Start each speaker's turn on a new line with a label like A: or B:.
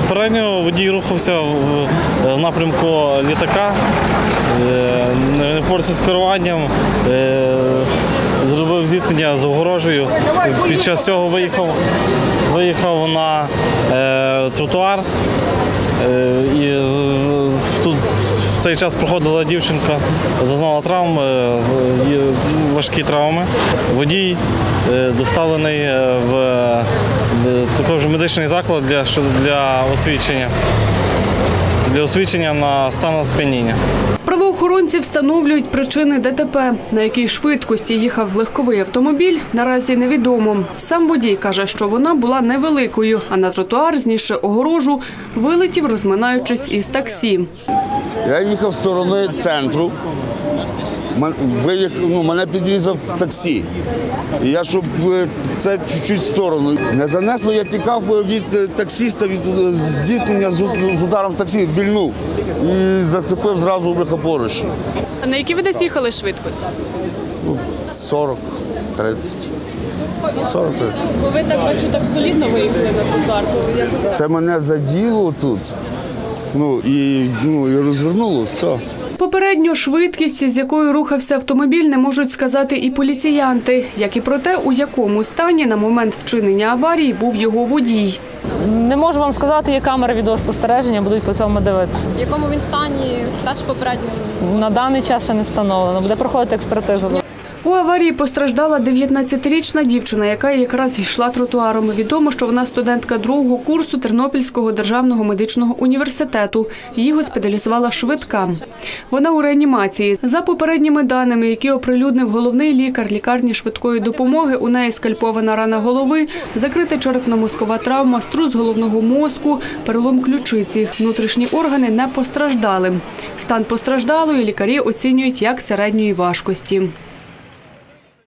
A: Попередньо водій рухався в напрямку літака, не впорався з керуванням, зробив зіткнення з огорожею. Під час цього виїхав на тротуар. І тут в цей час проходила дівчинка, зазнала травм, важкі травми. Водій доставлений в також медичний заклад для освідчення на стан сп'яніння.
B: Правоохоронці встановлюють причини ДТП. На якій швидкості їхав легковий автомобіль, наразі невідомо. Сам водій каже, що вона була невеликою, а на тротуар, знісши огорожу, вилетів, розминаючись із таксі.
C: Я їхав з сторони центру, мене підрізав таксі. І я, щоб це чуть-чуть в сторону не занесло, я тікав від таксиста, від зіткнення з ударом таксі, вільнув і зацепив зразу поруч.
B: А на якій ви десь їхали швидкость?
C: 40-30. 40-30.
B: Ви так солідно виїхали на тротуар?
C: Це мене заділо тут, і розвернуло, все.
B: Попередньо швидкість, з якою рухався автомобіль, не можуть сказати і поліціянти, як і про те, у якому стані на момент вчинення аварії був його водій.
D: Не можу вам сказати, є камери відеоспостереження, будуть по цьому дивитися.
E: В якому він стані, теж попередньо?
D: На даний час ще не встановлено, буде проходити експертиза.
B: У аварії постраждала 19-річна дівчина, яка якраз йшла тротуаром. Відомо, що вона студентка другого курсу Тернопільського державного медичного університету. Її госпіталізувала швидка. Вона у реанімації. За попередніми даними, які оприлюднив головний лікар лікарні швидкої допомоги, у неї скальпована рана голови, закрита черепно-мозкова травма, струс головного мозку, перелом ключиці. Внутрішні органи не постраждали. Стан постраждалої лікарі оцінюють як середньої важкості.